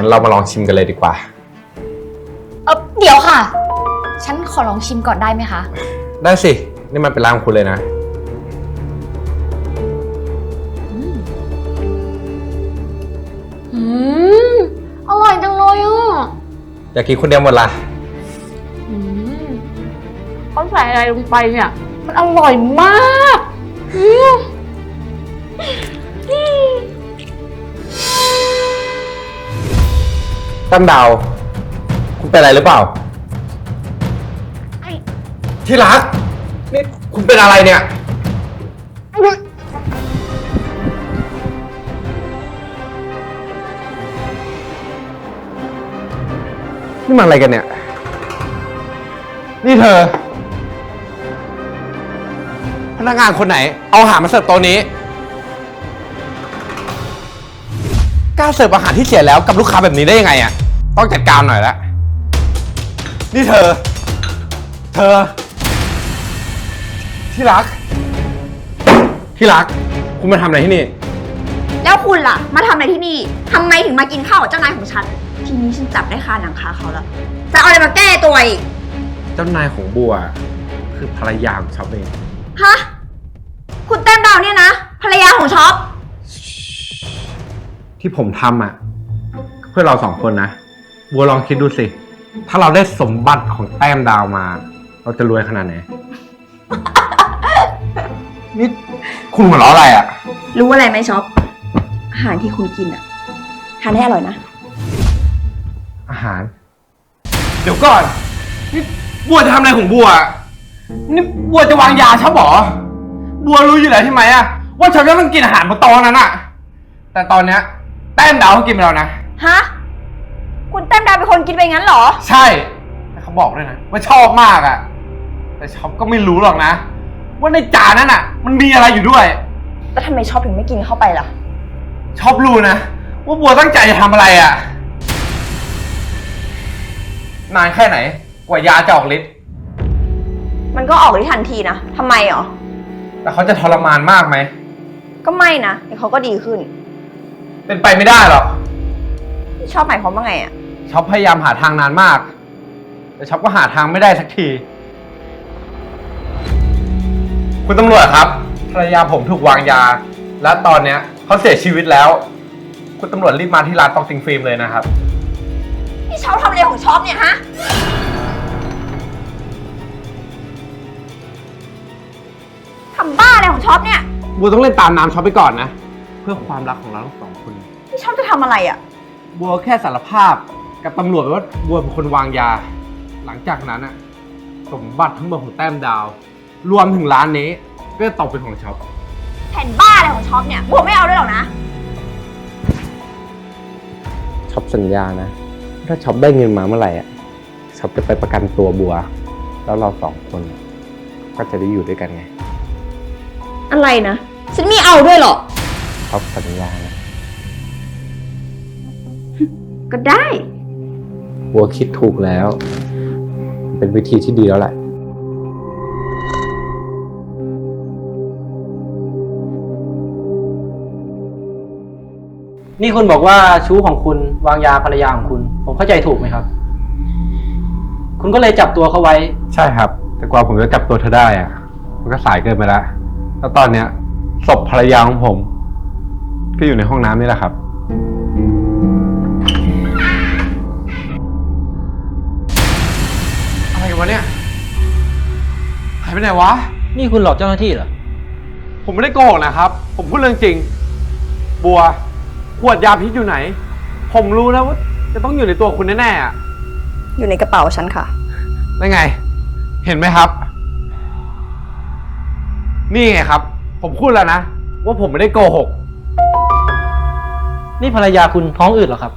งั้นเรามาลองชิมกันเลยดีกว่าเดี๋ยวค่ะ ฉันขอลองชิมก่อนได้ไหมคะได้สิ นี่มันเป็นร้านของคุณเลยนะอร่อยจังเลยอ่ะอยากกินคนเดียวหมดละเขาใส่อะไรลงไปเนี่ย มันอร่อยมากตั้มดาว คุณเป็นอะไรหรือเปล่า ที่รัก นี่คุณเป็นอะไรเนี่ย นี่มันอะไรกันเนี่ย นี่เธอ พนักงานคนไหน เอาอาหารมาเสิร์ฟโต๊ะนี้ กล้าเสิร์ฟอาหารที่เสียแล้วกับลูกค้าแบบนี้ได้ยังไงอ่ะ ต้องจัดการหน่อยละนี่เธอ ที่รัก คุณมาทำอะไรที่นี่แล้วคุณล่ะมาทำอะไรที่นี่ทำไมถึงมากินข้าวกับเจ้านายของฉันทีนี้ฉันจับได้คาหนังคาเขาแล้วจะเอาอะไรมาแก้ตัวอีกเจ้านายของบัว คือภรรยาของช็อปเองฮะคุณแต้มดาวเนี่ยนะภรรยาของช็อปที่ผมทำอ่ะ เพื่อเราสองคนนะ บัวลองคิดดูสิ ถ้าเราได้สมบัติของแต้มดาวมา เราจะรวยขนาดไหน นี่คุณหัวเราะอะไรอ่ะรู้อะไรไหมช็อปอาหารที่คุณกินอะทานให้อร่อยนะอาหาร เดี๋ยวก่อน นี่บัวจะทำอะไรของบัว นี่บัวจะวางยาช็อปหรอ บัวรู้อยู่แล้วใช่ไหมอะว่าช็อปจะต้องกินอาหารบนโต๊ะนั้นอะแต่ตอนเนี้ยแต้มดาวเขากินไปแล้วนะฮะคุณแต้มดาวเป็นคนกินไปงั้นเหรอใช่แต่เขาบอกด้วยนะว่าชอบมากอะแต่ช็อปก็ไม่รู้หรอกนะ ว่าในจานนั้นอะมันมีอะไรอยู่ด้วยแล้วทำไมช็อปถึงไม่กินเข้าไปล่ะช็อปรู้นะว่าบัวตั้งใจจะทำอะไรอะนานแค่ไหน กว่ายาจะออกฤทธิ์มันก็ออกฤทธิ์ทันทีนะทำไมหรอแต่เขาจะทรมานมากไหมก็ไม่นะเดี๋ยวเขาก็ดีขึ้นเป็นไปไม่ได้หรอกชอบหมายความว่าไงอะช็อปพยายามหาทางนานมาก แต่ช็อปก็หาทางไม่ได้สักที คุณตำรวจครับภรรยาผมถูกวางยา และตอนเนี้ยเขาเสียชีวิตแล้ว คุณตำรวจรีบมาที่ร้านตองซิงฟิล์มเลยนะครับนี่ช็อปทำอะไรของช็อปเนี่ยฮะทำบ้าอะไรของช็อปเนี่ยบัวต้องเล่นตามน้ำช็อปไปก่อนนะ เพื่อความรักของเราทั้งสองคนนี่ช็อปจะทำอะไรอะบัวแค่สารภาพกับตำรวจว่าบัวเป็นคนวางยา หลังจากนั้นอะสมบัติทั้งหมดของแต้มดาว รวมถึงร้านนี้ก็จะตกเป็นของช็อปแผ่นบ้าอะไรของช็อปเนี่ยบัวไม่เอาด้วยหรอกนะช็อปสัญญานะ ถ้าช็อปได้เงินมาเมื่อไหร่อ่ะช็อปจะไปประกันตัวบัว แล้วเราสองคนก็จะได้อยู่ด้วยกันไงอะไรนะฉันไม่เอาด้วยหรอกช็อปสัญญานะก็ได้บัวคิดถูกแล้ว เป็นวิธีที่ดีแล้วแหละนี่คุณบอกว่าชู้ของคุณวางยาภรรยาของคุณ ผมเข้าใจถูกไหมครับ คุณก็เลยจับตัวเขาไว้ใช่ครับ แต่กว่าผมจะจับตัวเธอได้อ่ะ มันก็สายเกินไปแล้ว แล้วตอนเนี้ยศพภรรยาของผม ก็อยู่ในห้องน้ำนี่แหละครับ อะไรกันวะเนี่ย หายไปไหนวะนี่คุณหลอกเจ้าหน้าที่เหรอผมไม่ได้โกหกนะครับ ผมพูดเรื่องจริง บัว ขวดยาพิษอยู่ไหน ผมรู้แล้วว่าจะต้องอยู่ในตัวคุณแน่ๆอ่ะอยู่ในกระเป๋าฉันค่ะได้ไง เห็นไหมครับ นี่ไงครับ ผมพูดแล้วนะ ว่าผมไม่ได้โกหกนี่ภรรยาคุณท้องอืดเหรอครับ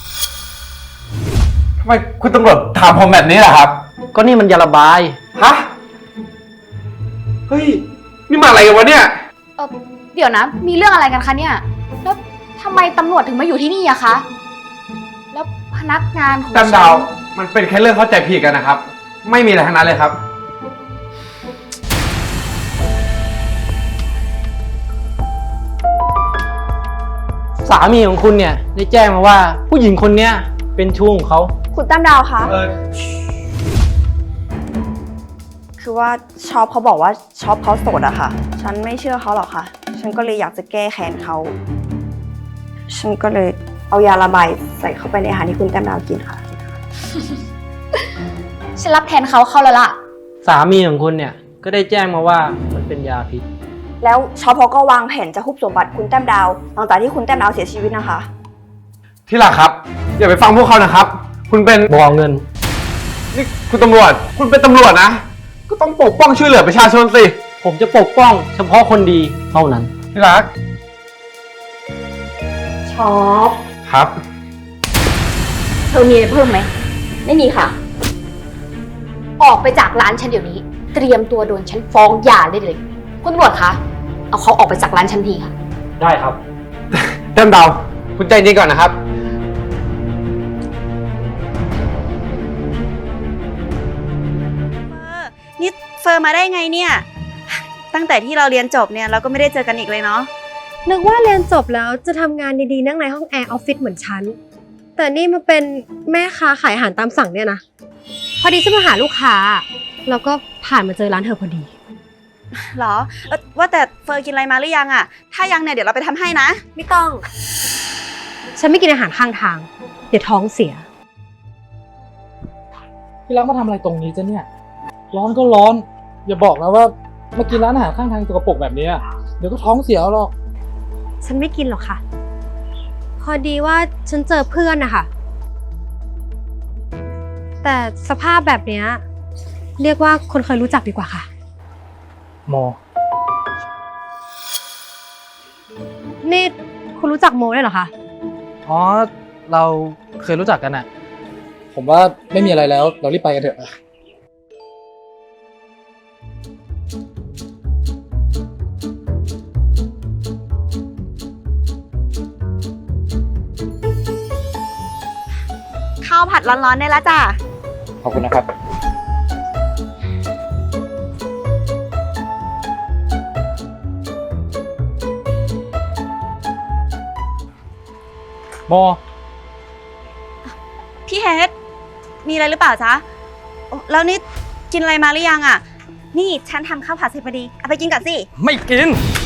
ทำไมคุณตำรวจถามผมแบบนี้ล่ะครับก็นี่มันยาระบายฮะ เฮ้ย นี่มาอะไรกันวะเนี่ยเดี๋ยวนะ มีเรื่องอะไรกันคะเนี่ย แล้วทำไมตำรวจถึงมาอยู่ที่นี่อะคะ แล้วพนักงานของแต้มดาว มันเป็นแค่เรื่องเข้าใจผิดกันนะครับ ไม่มีอะไรทั้งนั้นเลยครับสามีของคุณเนี่ยได้แจ้งมาว่าผู้หญิงคนเนี้ยเป็นชู้ของเขาคุณแต้มดาวคะ คือว่าช็อปเขาบอกว่าช็อปเขาโสดอะค่ะ ฉันไม่เชื่อเขาหรอกค่ะ ฉันก็เลยอยากจะแก้แค้นเขา ฉันก็เลยเอายาระบายใส่เข้าไปในอาหารที่คุณแต้มดาวกินค่ะฉันรับแทนเขาเข้าแล้วล่ะสามีของคุณเนี่ยก็ได้แจ้งมาว่ามันเป็นยาพิษแล้วช็อปเขาก็วางแผนจะฮุบสมบัติคุณแต้มดาวหลังจากที่คุณแต้มดาวเสียชีวิตนะคะที่รักครับ อย่าไปฟังพวกเขานะครับ คุณเป็นบ่อเงินนี่คุณตำรวจ คุณเป็นตำรวจนะ ก็ต้องปกป้องช่วยเหลือประชาชนสิผมจะปกป้องเฉพาะคนดีเท่านั้นที่รักช็อปครับเธอมีอะไรเพิ่มไหม ไม่มีค่ะออกไปจากร้านฉันเดี๋ยวนี้ เตรียมตัวโดนฉันฟ้องหย่าได้เลย คุณตำรวจคะ เอาเขาออกไปจากร้านฉันทีค่ะได้ครับเต็มดาว คุณใจเย็นก่อนนะครับนี่เฟอร์มาได้ไงเนี่ย ตั้งแต่ที่เราเรียนจบเนี่ยเราก็ไม่ได้เจอกันอีกเลยเนาะนึกว่าเรียนจบแล้วจะทำงานดีๆนั่งในห้องแอร์ออฟฟิศเหมือนฉัน แต่นี่มาเป็นแม่ค้าขายอาหารตามสั่งเนี่ยนะ พอดีฉันมาหาลูกค้า แล้วก็ผ่านมาเจอร้านเธอพอดีหรอว่าแต่เฟอร์กินอะไรมาหรือยังอะถ้ายังเนี่ยเดี๋ยวเราไปทำให้นะไม่ต้อง ฉันไม่กินอาหารข้างทาง เดี๋ยวท้องเสียพี่รักมาทำอะไรตรงนี้จ้ะเนี่ย ร้อนก็ร้อน อย่าบอกนะว่ามากินร้านอาหารข้างทางสกปรกแบบนี้อะเดี๋ยวก็ท้องเสียหรอกฉันไม่กินหรอกค่ะ พอดีว่าฉันเจอเพื่อนนะคะแต่สภาพแบบเนี้ยเรียกว่าคนเคยรู้จักดีกว่าค่ะโมนี่คุณรู้จักโมได้วยเหรอคะอ๋อ เราเคยรู้จักกันอะผมว่าไม่มีอะไรแล้ว เรารีบไปกันเถอะข้าวผัดร้อนๆได้แล้วจ้ะขอบคุณนะครับโมพี่เฮดมีอะไรหรือเปล่าจ๊ะโอ้แล้วนี่กินอะไรมาหรือยังอะนี่ฉันทำข้าวผัดเสร็จพอดีเอาไปกินก่อนสิไม่กิน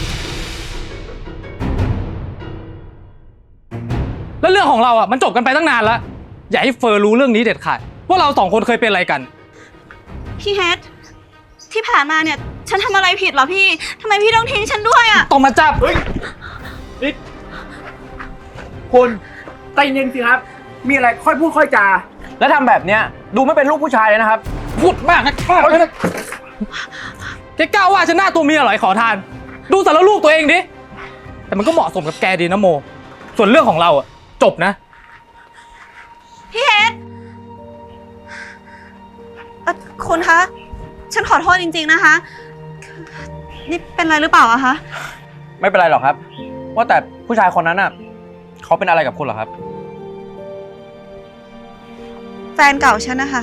แล้วเรื่องของเราอ่ะมันจบกันไปตั้งนานแล้ว อย่าให้เฟอร์รู้เรื่องนี้เด็ดขาดว่าเราสองคนเคยเป็นอะไรกันพี่เฮดที่ผ่านมาเนี่ยฉันทำอะไรผิดเหรอพี่ทำไมพี่ต้องทิ้งฉันด้วยอะต้องมาจับคุณใจเย็นสิครับ มีอะไรค่อยพูดค่อยจา แล้วทำแบบเนี้ยดูไม่เป็นลูกผู้ชายเลยนะครับพูดมากนะแกกล้าว่าฉันหน้าตัวเมียเหรอไอ้ขอทาน ดูสารรูปตัวเองดิ แต่มันก็เหมาะสมกับแกดีนะโม ส่วนเรื่องของเราอ่ะจบนะพี่เฮดคุณคะ ฉันขอโทษจริงๆนะคะ นี่เป็นอะไรหรือเปล่าอะคะไม่เป็นไรหรอกครับ ว่าแต่ผู้ชายคนนั้นอ่ะเขาเป็นอะไรกับคุณเหรอครับแฟนเก่าฉันนะคะ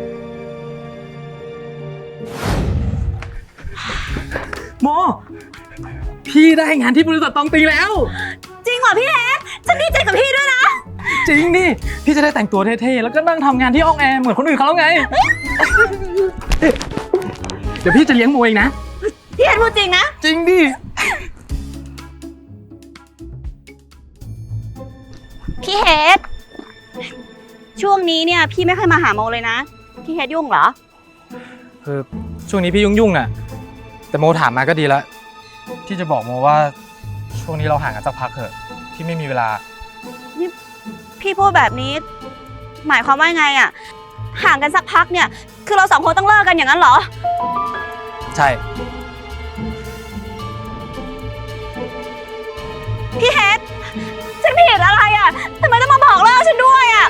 โม พี่ได้งานที่บริษัทตองตีแล้วจริงเหรอพี่เฮดฉันดีใจกับพี่ด้วยนะจริงดิ พี่จะได้แต่งตัวเท่ๆ แล้วก็นั่งทำงานที่ห้องแอร์เหมือนคนอื่นเขาแล้วไง เดี๋ยวพี่จะเลี้ยงโมเองนะพี่เฮดพูดจริงนะจริงดิพี่เฮดช่วงนี้เนี่ยพี่ไม่ค่อยมาหาโมเลยนะ พี่เฮดยุ่งเหรอคือช่วงนี้พี่ยุ่งๆน่ะ แต่โมถามมาก็ดีแล้ว พี่จะบอกโมว่าช่วงนี้เราห่างกันสักพักเถอะ พี่ไม่มีเวลานี่พี่พูดแบบนี้ หมายความว่าไงอะห่างกันสักพักเนี่ย คือเราสองคนต้องเลิกกันอย่างนั้นเหรอใช่พี่เฮดฉันผิดอะไรอะทำไมต้องมาบอกเลิกฉันด้วยอะ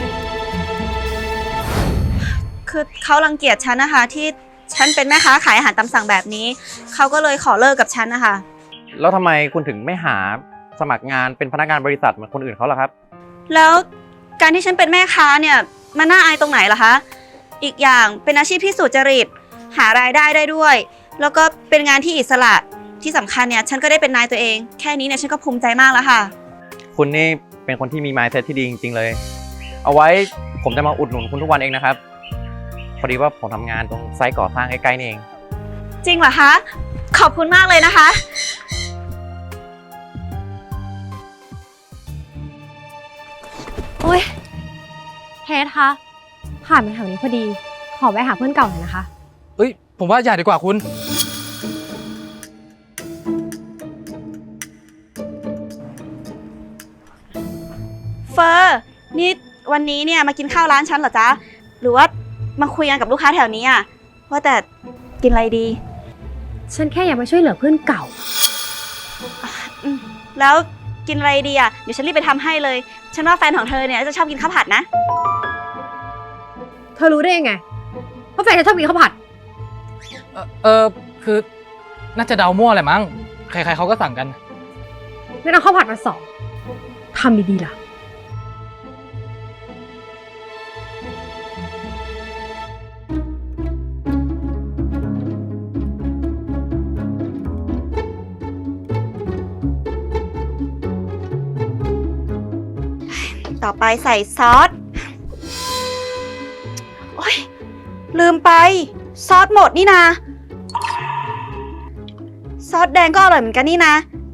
คือเขารังเกียจฉันนะคะ ที่ฉันเป็นแม่ค้าขายอาหารตามสั่งแบบนี้เขาก็เลยขอเลิกกับฉันนะคะแล้วทำไมคุณถึงไม่หาสมัครงานเป็นพนักงานบริษัทเหมือนคนอื่นเขาล่ะครับแล้วการที่ฉันเป็นแม่ค้าเนี่ยมันน่าอายตรงไหนล่ะคะอีกอย่างเป็นอาชีพที่สุจริตหารายได้ได้ด้วย แล้วก็เป็นงานที่อิสระที่สำคัญเนี่ยฉันก็ได้เป็นนายตัวเองแค่นี้เนี่ยฉันก็ภูมิใจมากแล้วค่ะคุณนี่เป็นคนที่มี mindset ที่ดีจริงๆเลย เอาไว้ผมจะมาอุดหนุนคุณทุกวันเองนะครับ พอดีว่าผมทำงานตรงไซต์ก่อสร้างใกล้ๆนี่เองจริงเหรอคะ ขอบคุณมากเลยนะคะโอ๊ยเฮดคะผ่านมาแถวนี้พอดี ขอแวะหาเพื่อนเก่าหน่อยนะคะเอ้ย ผมว่าอย่าดีกว่าคุณเฟอร์นี่วันนี้เนี่ยมากินข้าวร้านฉันเหรอจ๊ะ หรือว่ามาคุยกันกับลูกค้าแถวนี้อ่ะว่าแต่กินอะไรดีฉันแค่อยากมาช่วยเหลือเพื่อนเก่าแล้วกินอะไรดีอ่ะ เดี๋ยวฉันรีบไปทำให้เลย ฉันว่าแฟนของเธอเนี่ยจะชอบกินข้าวผัดนะเธอรู้ได้ยังไงว่าแฟนฉันชอบกินข้าวผัดคือน่าจะเดามั่วแหละมั้ง ใครๆเขาก็สั่งกันงั้นเอาข้าวผัดมา2ทำดีๆล่ะต่อไปใส่ซอส โอ๊ย ลืมไป ซอสหมดนี่นะ ซอสแดงก็อร่อยเหมือนกันนี่นะ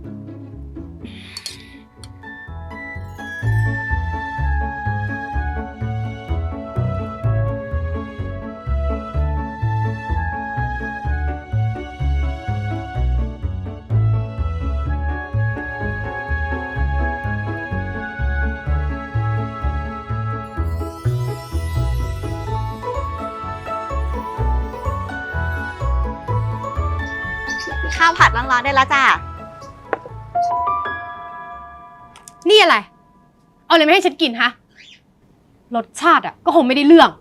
ข้าวผัดร้อนๆได้แล้วจ้ะนี่อะไร เอาอะไรไม่ให้ฉันกินฮะ รสชาติอ่ะก็คงไม่ได้เรื่อง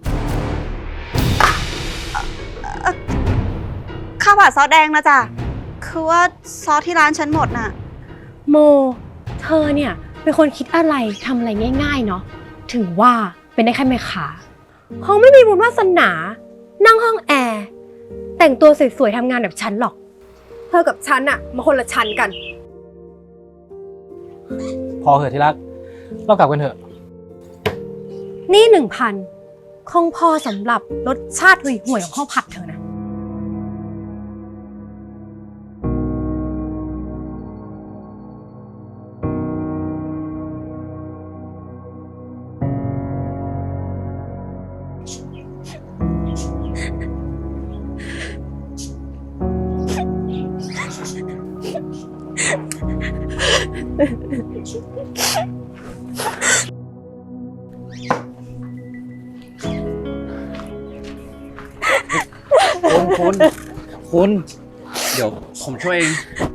ข้าวผัดซอสแดงนะจ๊ะ คือว่าซอสที่ร้านฉันหมดน่ะโม เธอเนี่ยเป็นคนคิดอะไรทำอะไรง่ายๆเนาะ ถึงว่าเป็นได้แค่แม่ค้าคงไม่มีบุญวาสนา นั่งห้องแอร์ แต่งตัวสวยๆทำงานแบบฉันหรอก เธอกับฉันอะมาคนละชั้นกันพอเหอะที่รัก เรากลับกันเถอะนี่ 1,000 คงพอสำหรับรสชาติห่วยๆของข้าวผัดเธอนะคุณ เดี๋ยวผมช่วยเอง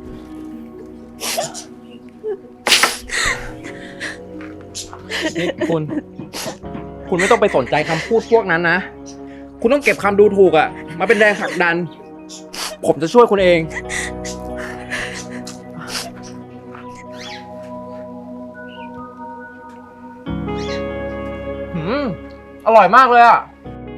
นี่คุณไม่ต้องไปสนใจคำพูดพวกนั้นนะ คุณต้องเก็บคำดูถูกอะมาเป็นแรงผลักดัน ผมจะช่วยคุณเอง อร่อยมากเลยอะ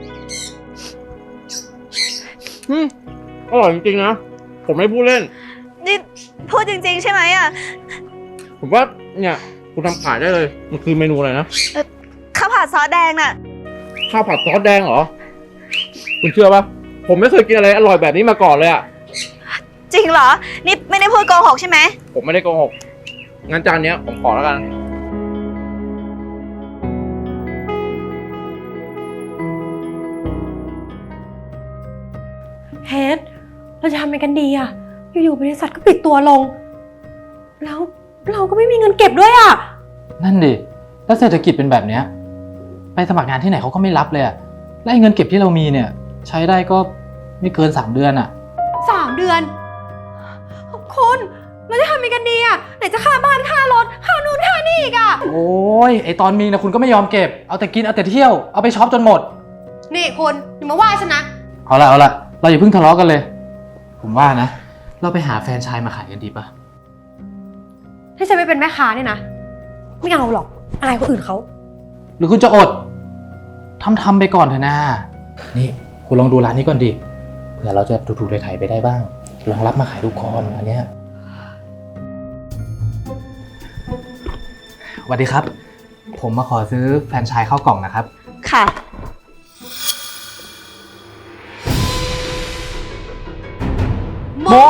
อร่อยจริงๆนะ ผมไม่พูดเล่นนี่พูดจริงๆใช่ไหมอ่ะผมว่าเนี่ยคุณทำขายได้เลย มันคือเมนูอะไรนะข้าวผัดซอสแดงน่ะข้าวผัดซอสแดงเหรอ คุณเชื่อปะผมไม่เคยกินอะไรอร่อยแบบนี้มาก่อนเลยอะจริงเหรอ นี่ไม่ได้พูดโกหกใช่ไหมผมไม่ได้โกหก งั้นจานเนี้ยผมขอแล้วกันเฮดเราจะทำยังไงกันดีอะอยู่ๆบริษัทก็ปิดตัวลง แล้วเราก็ไม่มีเงินเก็บด้วยอะนั่นดิ แล้วเศรษฐกิจเป็นแบบเนี้ย ไปสมัครงานที่ไหนเขาก็ไม่รับเลยอะและไอ้เงินเก็บที่เรามีเนี่ย ใช้ได้ก็ไม่เกิน3 เดือนอะ 3 เดือนคุณเราจะทำยังไงกันดีอะไหนจะค่าบ้านค่ารถค่านู่นค่านี่อีกอะโอ้ย ไอตอนมีนะคุณก็ไม่ยอมเก็บ เอาแต่กินเอาแต่เที่ยว เอาไปช็อปจนหมดนี่คุณอย่ามาว่าฉันนะเอาละเราอย่าเพิ่งทะเลาะกันเลย ผมว่านะ เราไปหาแฟรนไชส์มาขายกันดีปะถ้าฉันไม่เป็นแม่ค้าเนี่ยนะ ไม่เอาหรอกอายคนอื่นเขาหรือคุณจะอด ทำไปก่อนเถอะนะ นี่คุณลองดูร้านนี้ก่อนดิ เผื่อเราจะถูกๆไถ่ๆไปได้บ้าง ลองรับมาขายดูก่อนอันเนี้ยสวัสดีครับ ผมมาขอซื้อแฟรนไชส์ข้าวกล่องนะครับค่ะโม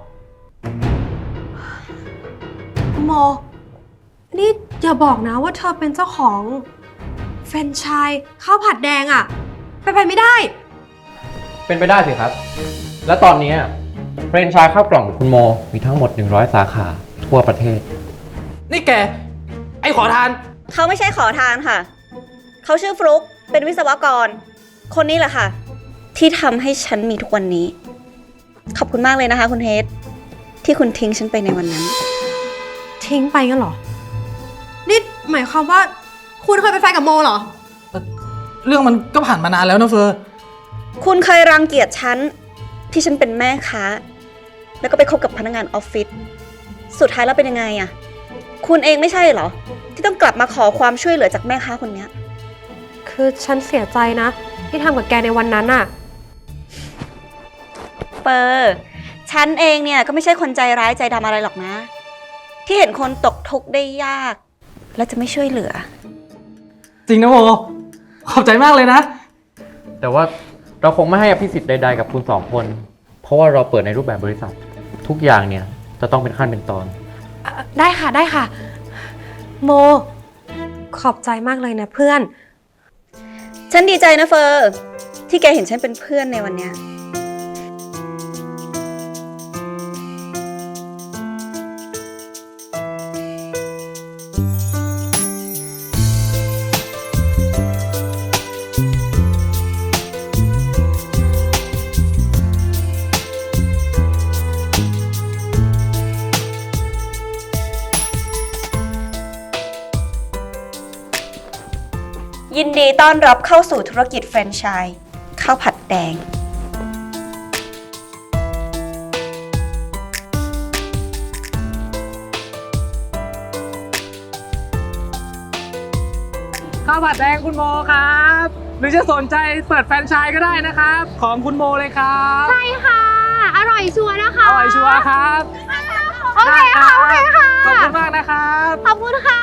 โม นี่อย่าบอกนะว่าเธอเป็นเจ้าของแฟรนไชส์ข้าวผัดแดงอะไปไม่ได้เป็นไปได้สิครับ และตอนนี้เฟรนไชส์ข้าวกล่องคุณโมมีทั้งหมด 100 สาขาทั่วประเทศนี่แก ไอ้ขอทานเขาไม่ใช่ขอทานค่ะ เขาชื่อฟลุ๊กเป็นวิศวกร คนนี้แหละค่ะ ที่ทำให้ฉันมีทุกวันนี้ ขอบคุณมากเลยนะคะ คุณเฮดที่คุณทิ้งฉันไปในวันนั้นทิ้งไปงั้นเหรอ นี่หมายความว่าคุณเคยเป็นแฟนกับโมเหรอเรื่องมันก็ผ่านมานานแล้วนะเฟอร์คุณเคยรังเกียจฉันที่ฉันเป็นแม่ค้า แล้วก็ไปคบกับพนักงานออฟฟิศสุดท้ายแล้วเป็นยังไงอะคุณเองไม่ใช่เหรอ ที่ต้องกลับมาขอความช่วยเหลือจากแม่ค้าคนเนี้ยคือฉันเสียใจนะ ที่ทำกับแกในวันนั้นอะเปอร์ฉันเองเนี่ยก็ไม่ใช่คนใจร้ายใจดำอะไรหรอกนะ ที่เห็นคนตกทุกข์ได้ยาก แล้วจะไม่ช่วยเหลือจริงนะโม ขอบใจมากเลยนะแต่ว่าเราคงไม่ให้อภิสิทธิ์ใดๆกับคุณสองคน เพราะว่าเราเปิดในรูปแบบบริษัท ทุกอย่างเนี่ยจะต้องเป็นขั้นเป็นตอนได้ค่ะได้ค่ะ โม ขอบใจมากเลยนะเพื่อนฉันดีใจนะเฟอร์ที่แกเห็นฉันเป็นเพื่อนในวันเนี้ย ยินดีต้อนรับเข้าสู่ธุรกิจแฟรนไชส์ข้าวผัดแดงข้าวผัดแดงคุณโมครับ หรือจะสนใจเปิดแฟรนไชส์ก็ได้นะครับ ของคุณโมเลยครับใช่ค่ะ อร่อยชัวร์นะคะอร่อยชัวร์ครับโอเคค่ะ โอเคค่ะขอบคุณมากนะครับขอบคุณค่ะ